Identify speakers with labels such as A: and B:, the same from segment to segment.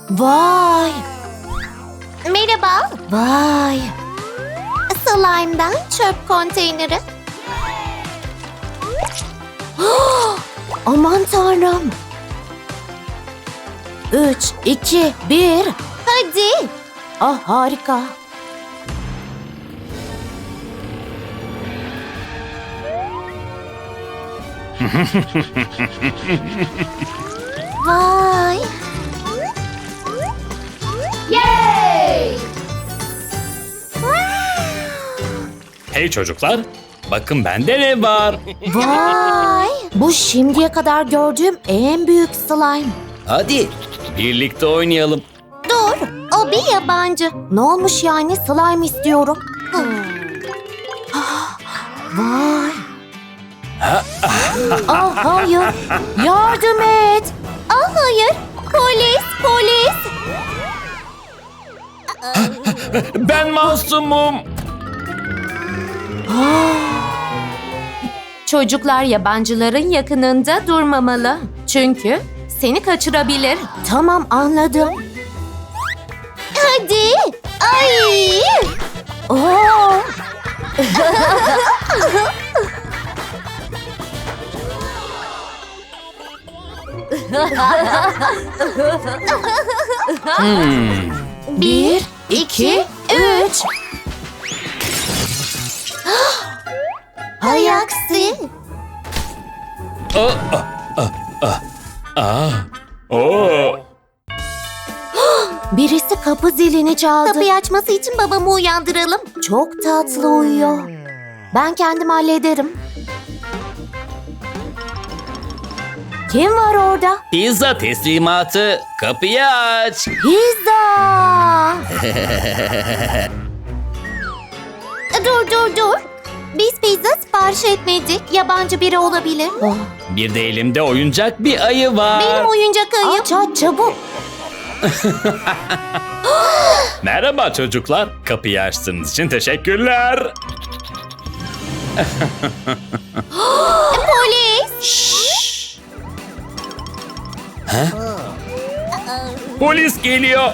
A: Vay!
B: Merhaba.
A: Vay!
B: Slime'dan çöp konteyneri.
A: Aman tanrım! 3, 2, 1.
B: Hadi.
A: Ah harika!
B: Vay.
C: Hey çocuklar, bakın bende ne var?
A: Vay! Bu şimdiye kadar gördüğüm en büyük slime.
C: Hadi birlikte oynayalım.
B: Dur. O bir yabancı.
A: Ne olmuş yani? Slime istiyorum. Vay! Ah hayır! Yardım et!
B: Ah hayır. Polis, polis.
C: Ben masumum.
A: Çocuklar yabancıların yakınında durmamalı. Çünkü seni kaçırabilir. Tamam anladım.
B: Hadi. Ay.
A: Oo! Bir, iki, üç.
B: Hay aksi.
C: Oo.
A: Birisi kapı zilini çaldı.
B: Kapıyı açması için babamı uyandıralım.
A: Çok tatlı uyuyor. Ben kendim hallederim. Kim var orada?
C: Pizza teslimatı. Kapıyı aç.
A: Pizza!
B: Dur. Biz pizza sipariş etmedik. Yabancı biri olabilir.
A: Oh,
C: Bir de elimde oyuncak bir ayı var.
B: Benim oyuncak ayım.
A: aç çabuk.
C: Merhaba çocuklar. Kapıyı açtığınız için teşekkürler.
B: Polis.
C: Polis geliyor.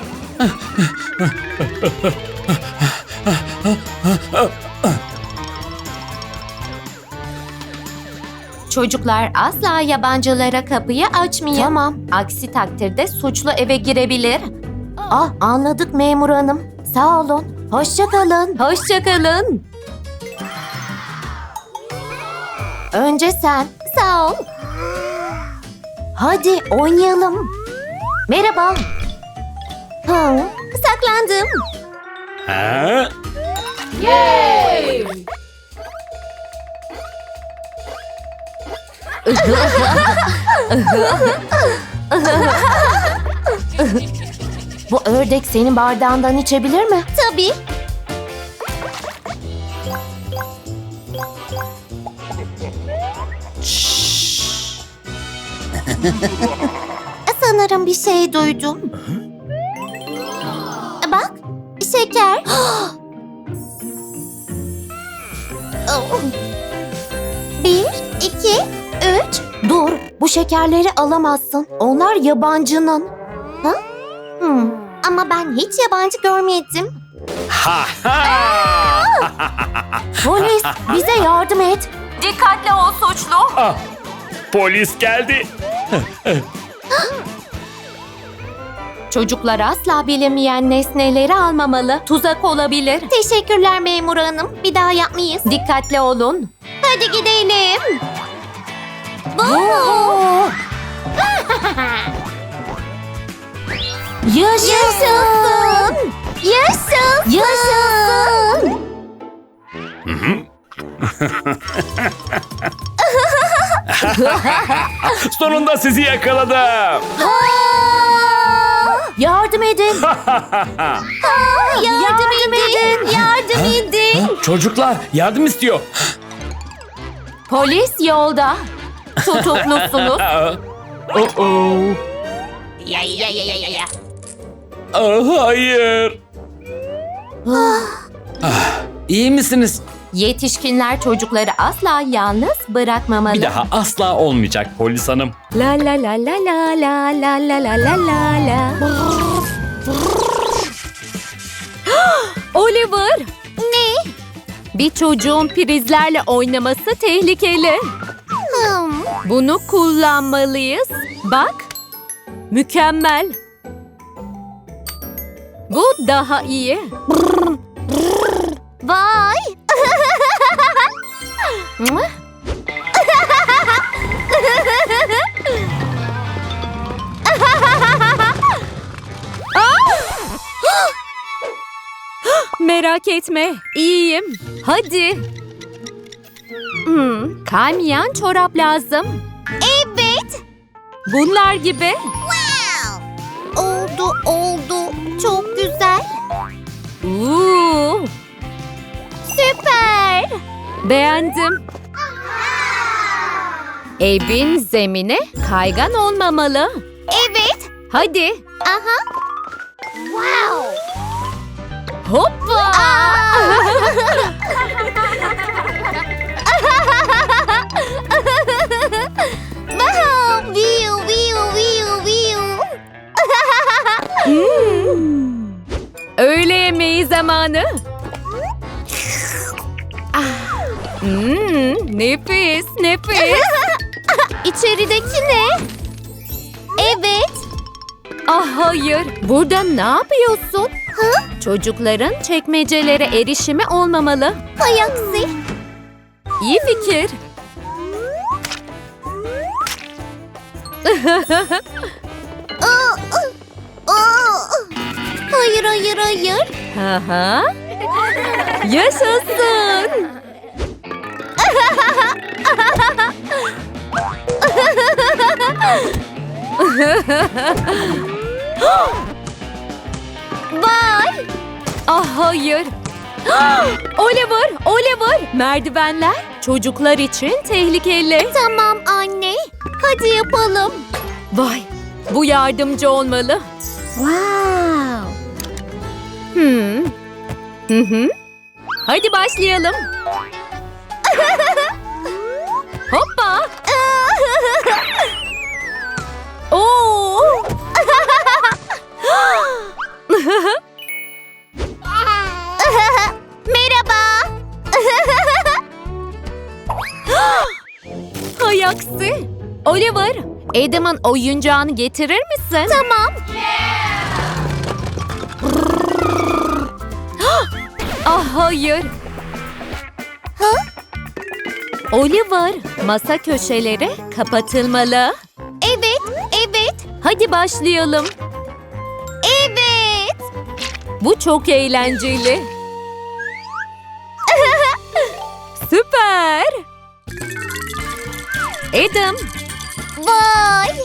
A: Çocuklar asla yabancılara kapıyı açmayın. Tamam. Aksi takdirde suçlu eve girebilir. Ah anladık memur hanım. Sağ olun. Hoşça kalın. Hoşça kalın. Önce sen.
B: Sağ ol.
A: Hadi oynayalım. Merhaba. Hı.
B: Saklandım.
C: Ha?
A: Bu ördek senin bardağından içebilir mi?
B: Tabii. Sanırım bir şey duydum. Bak, şeker. Oh. 1, 2, 3.
A: Dur, bu şekerleri alamazsın. Onlar yabancının.
B: Ama ben hiç yabancı görmedim.
C: Ha ha!
A: Polis, bize yardım et. Dikkatli ol suçlu.
C: Ah, polis geldi.
A: Çocuklar asla bilinmeyen nesneleri almamalı. Tuzak olabilir.
B: Teşekkürler memur hanım. Bir daha yapmayız.
A: Dikkatli olun.
B: Hadi gidelim.
A: Oo! Yaşasın!
B: Yaşasın.
A: Yaşasın!
C: Sonunda sizi yakaladım.
A: Yardım edin.
B: Yardım edin. Yardım edin.
C: Çocuklar yardım istiyor.
A: Polis yolda. Tutuklusunuz.
C: Oh. Ah, hayır. İyi misiniz?
A: Yetişkinler çocukları asla yalnız bırakmamalı.
C: Bir daha asla olmayacak polis hanım.
A: La la la la la la la la la la la la. Oliver!
B: Ne?
A: Bir çocuğun prizlerle oynaması tehlikeli. Bunu kullanmalıyız. Bak. Mükemmel. Bu daha iyi.
B: Vay!
A: Merak etme, iyiyim. Hadi. Kaymayan çorap lazım.
B: Evet.
A: Bunlar gibi.
B: Oldu. Çok güzel. Süper.
A: Beğendim. Evin zemini kaygan olmamalı.
B: Evet.
A: Hadi.
B: Aha. Wow.
A: Hoppa.
B: Wow. Viu.
A: Öğle yemeği zamanı. Nefis.
B: İçerideki ne? Evet.
A: Ah hayır. Burada ne yapıyorsun? Çocukların çekmecelere erişimi olmamalı.
B: Hay aksi.
A: İyi fikir.
B: Hayır.
A: Aha. Yaşasın.
B: Vay.
A: Ah hayır. Oliver, merdivenler çocuklar için tehlikeli.
B: Tamam anne. Hadi yapalım.
A: Vay, bu yardımcı olmalı.
B: Wow.
A: Hadi başlayalım. Hoppa. Oo.
B: Merhaba.
A: Hay aksi. Oliver, Adam'ın oyuncağını getirir misin?
B: Tamam.
A: Ah hayır. Oliver, masa köşeleri kapatılmalı.
B: Evet.
A: Hadi başlayalım.
B: Evet.
A: Bu çok eğlenceli. Süper. Adam.
B: Vay.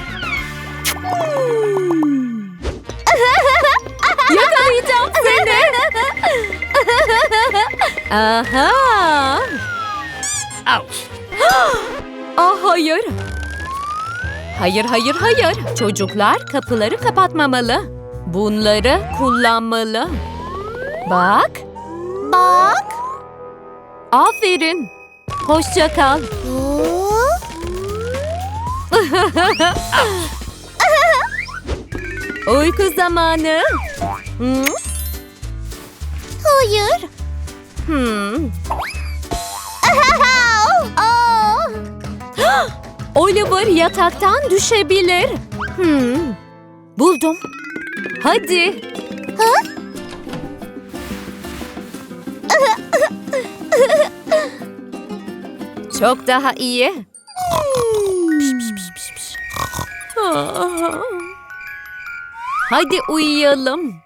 A: Yakalayacağım seni. Aha.
C: Ouch.
A: Ah hayır. Hayır. Çocuklar kapıları kapatmamalı. Bunları kullanmalı. Bak. Aferin. Hoşça kal. Uyku zamanı.
B: Hayır.
A: Oliver yataktan düşebilir. Buldum. Hadi. Çok daha iyi. Hadi uyuyalım.